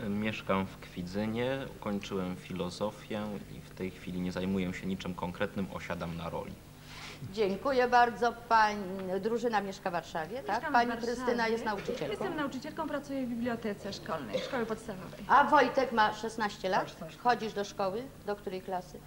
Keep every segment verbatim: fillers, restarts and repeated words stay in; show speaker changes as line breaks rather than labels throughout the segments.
Mieszkam w Kwidzynie, ukończyłem filozofię i w tej chwili nie zajmuję się niczym konkretnym, osiadam na roli.
Dziękuję bardzo. Pani drużyna mieszka w Warszawie, tak?
Mieszkam
Pani
w Warszawie.
Krystyna jest nauczycielką.
Jestem nauczycielką, pracuję w bibliotece szkolnej, szkoły podstawowej.
A Wojtek ma szesnaście lat? Chodzisz do szkoły? Do której klasy?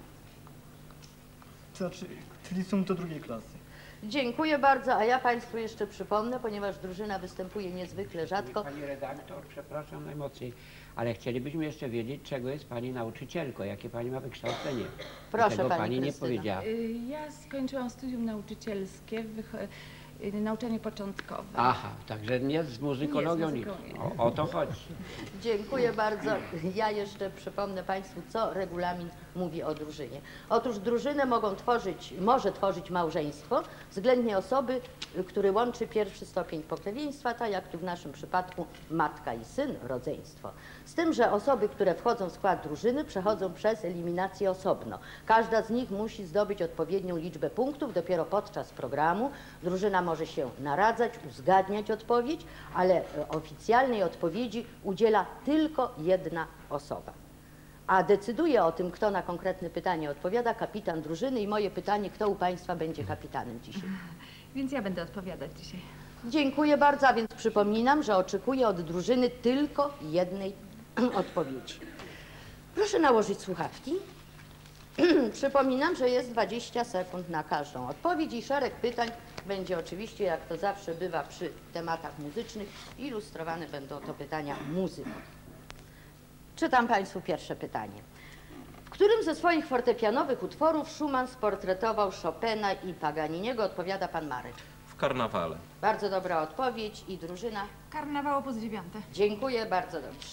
To znaczy, liceum do drugiej klasy.
Dziękuję bardzo, a ja Państwu jeszcze przypomnę, ponieważ drużyna występuje niezwykle rzadko.
Pani redaktor, przepraszam najmocniej, ale chcielibyśmy jeszcze wiedzieć, czego jest Pani nauczycielką, jakie Pani ma wykształcenie.
Proszę,
Tego
Pani
Pani nie
Krystyno.
powiedziała.
Y, Ja skończyłam studium nauczycielskie, wycho- y, nauczanie początkowe.
Aha, także nie z muzykologią,
Nie, z muzyką
nic.
nie.
O, o to chodzi.
Dziękuję bardzo. Ja jeszcze przypomnę Państwu, co regulamin mówi o drużynie. Otóż drużynę mogą tworzyć, może tworzyć małżeństwo, względnie osoby, które łączy pierwszy stopień pokrewieństwa, tak jak tu w naszym przypadku matka i syn, rodzeństwo. Z tym, że osoby, które wchodzą w skład drużyny, przechodzą przez eliminację osobno. Każda z nich musi zdobyć odpowiednią liczbę punktów. Dopiero podczas programu drużyna może się naradzać, uzgadniać odpowiedź, ale oficjalnej odpowiedzi udziela tylko jedna osoba. A decyduje o tym, kto na konkretne pytanie odpowiada, kapitan drużyny. I moje pytanie, kto u Państwa będzie kapitanem dzisiaj?
Więc ja będę odpowiadać dzisiaj.
Dziękuję bardzo, a więc przypominam, że oczekuję od drużyny tylko jednej odpowiedzi. Proszę nałożyć słuchawki. Przypominam, że jest dwadzieścia sekund na każdą odpowiedź i szereg pytań będzie oczywiście, jak to zawsze bywa przy tematach muzycznych, ilustrowane będą to pytania muzyką. Czytam Państwu pierwsze pytanie. W którym ze swoich fortepianowych utworów Schumann sportretował Chopina i Paganiniego? Odpowiada Pan Marek.
W karnawale.
Bardzo dobra odpowiedź i drużyna.
Karnawał opus dziewiąte.
Dziękuję, bardzo dobrze.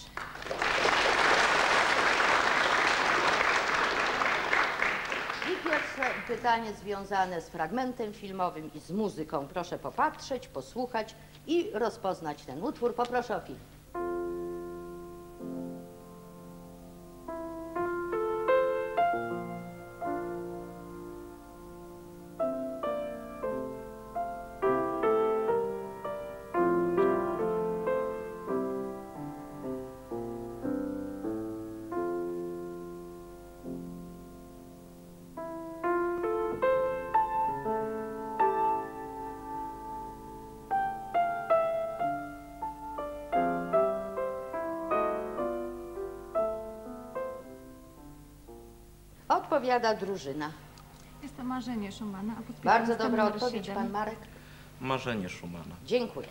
I pierwsze pytanie związane z fragmentem filmowym i z muzyką. Proszę popatrzeć, posłuchać i rozpoznać ten utwór. Poproszę o film. Odpowiada drużyna.
Jest to marzenie Schumana. opus
Bardzo
piętnasty,
dobra
numer
odpowiedź,
siedem.
Pan Marek.
Marzenie Schumana.
Dziękuję.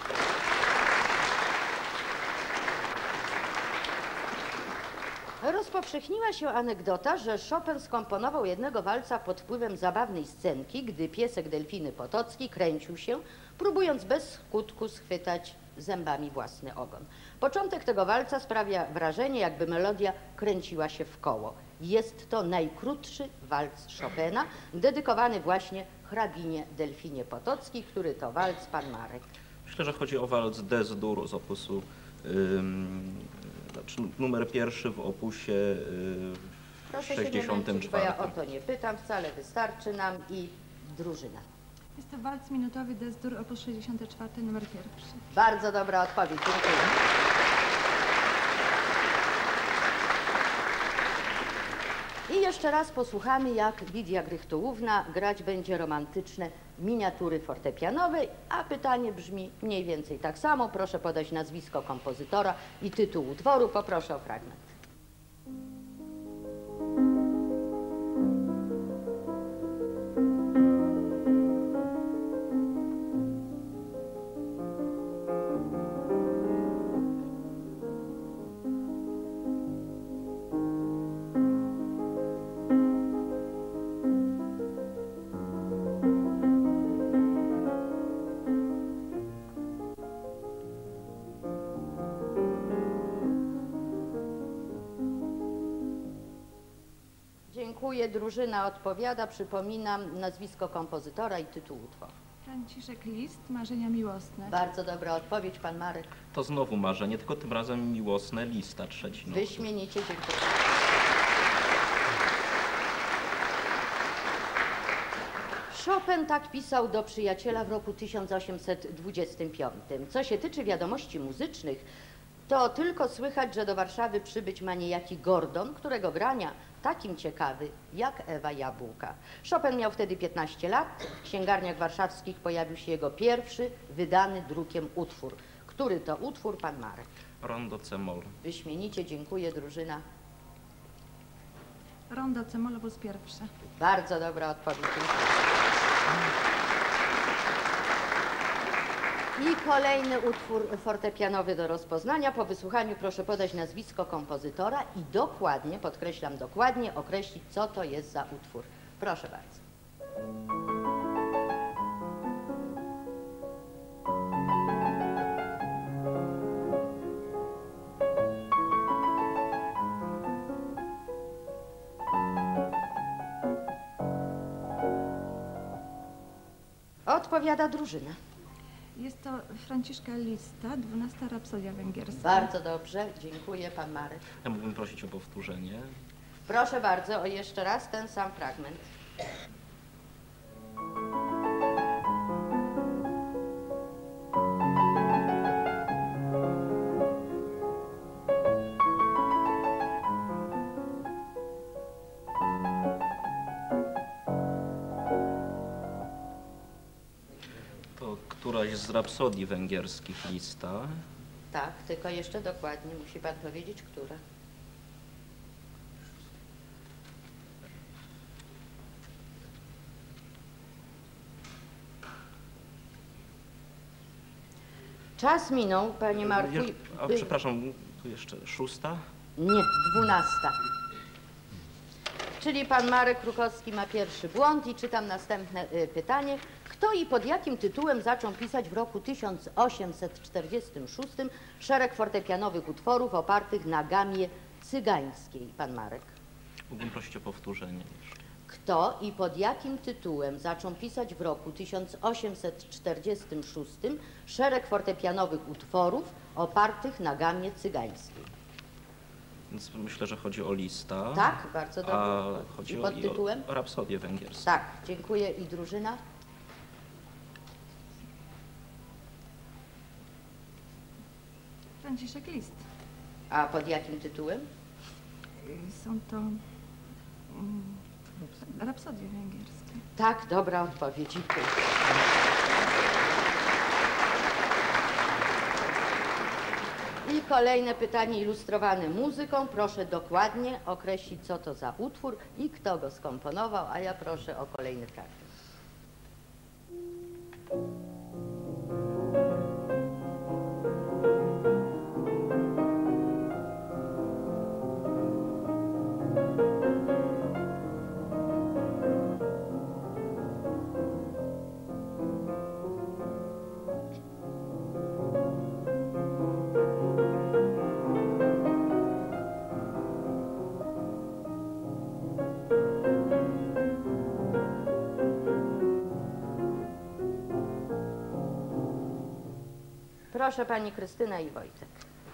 Rozpowszechniła się anegdota, że Chopin skomponował jednego walca pod wpływem zabawnej scenki, gdy piesek Delfiny Potocki kręcił się, próbując bez skutku schwytać zębami własny ogon. Początek tego walca sprawia wrażenie, jakby melodia kręciła się w koło. Jest to najkrótszy walc Chopina, dedykowany właśnie hrabinie Delfinie Potockiej, który to walc Pan Marek.
Myślę, że chodzi o walc Des-dur z opusu, ym, znaczy numer pierwszy w opusie yy,
Proszę się nie
sześćdziesiątym
męczyć, bo ja o
czwartym.
to nie pytam, wcale wystarczy nam i drużyna.
Jest to walc minutowy Des-dur opus sześćdziesiąty czwarty, numer pierwszy.
Bardzo dobra odpowiedź, dziękuję. I jeszcze raz posłuchamy, jak Lidia Grychtułówna grać będzie romantyczne miniatury fortepianowe, a pytanie brzmi mniej więcej tak samo. Proszę podać nazwisko kompozytora i tytuł utworu. Poproszę o fragment. Dziękuję, drużyna odpowiada. Przypominam nazwisko kompozytora i tytuł utworu.
Franciszek Liszt, marzenia miłosne.
Bardzo dobra odpowiedź, Pan Marek.
To znowu marzenie, tylko tym razem miłosne, lista trzeci. No.
Wyśmienicie, dziękuję. Chopin tak pisał do przyjaciela w roku tysiąc osiemset dwudziestym piątym. Co się tyczy wiadomości muzycznych, to tylko słychać, że do Warszawy przybyć ma niejaki Gordon, którego grania takim ciekawy jak Ewa Jabłka. Chopin miał wtedy piętnaście lat. W księgarniach warszawskich pojawił się jego pierwszy, wydany drukiem utwór. Który to utwór, pan Marek?
Rondo C-moll.
Wyśmienicie, dziękuję, drużyna.
Rondo C-moll, obóz pierwszy.
Bardzo dobra odpowiedź. I kolejny utwór fortepianowy do rozpoznania. Po wysłuchaniu proszę podać nazwisko kompozytora i dokładnie, podkreślam dokładnie, określić, co to jest za utwór. Proszę bardzo. Odpowiada drużyna.
Jest to Franciszka Lista, dwunasta rapsodia węgierska.
Bardzo dobrze, dziękuję, pan Marek.
Ja mógłbym prosić o powtórzenie.
Proszę bardzo, o jeszcze raz ten sam fragment.
To któraś z rapsodii węgierskich Lista.
Tak, tylko jeszcze dokładnie musi pan powiedzieć, która. Czas minął, panie Marku.
Jeż- A
y,
przepraszam, tu jeszcze szósta?
Nie, dwunasta. Czyli pan Marek Krukowski ma pierwszy błąd i czytam następne y, pytanie. Kto i pod jakim tytułem zaczął pisać w roku tysiąc osiemset czterdziestym szóstym szereg fortepianowych utworów opartych na gamie cygańskiej? Pan Marek.
Mógłbym prosić o powtórzenie jeszcze.
Kto i pod jakim tytułem zaczął pisać w roku tysiąc osiemset czterdziestym szóstym szereg fortepianowych utworów opartych na gamie cygańskiej?
Więc myślę, że chodzi o Lista.
Tak, bardzo dobrze.
A
I
chodzi
pod
o, i
tytułem?
o rapsodię węgierską.
Tak, dziękuję. I drużyna?
Franciszek List.
A pod jakim tytułem?
Y, Są to mm, rapsodie węgierskie.
Tak, dobra odpowiedź. Dziękuję. I kolejne pytanie ilustrowane muzyką. Proszę dokładnie określić, co to za utwór i kto go skomponował, a ja proszę o kolejny fragment. Proszę pani Krystyna i Wojtek.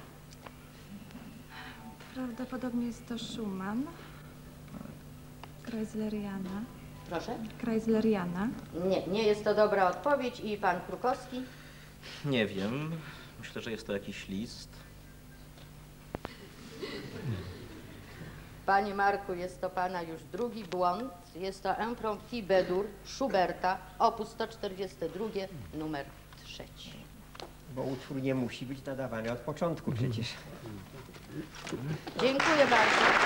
Prawdopodobnie jest to Schumann. Kreisleriana.
Proszę?
Kreisleriana.
Nie, nie jest to dobra odpowiedź. I pan Krukowski?
Nie wiem. Myślę, że jest to jakiś list.
Panie Marku, jest to pana już drugi błąd. Jest to Impromptu B-dur Schuberta, opus sto czterdziesty drugi, numer trzeci.
Bo utwór nie musi być nadawany od początku przecież.
Dziękuję bardzo.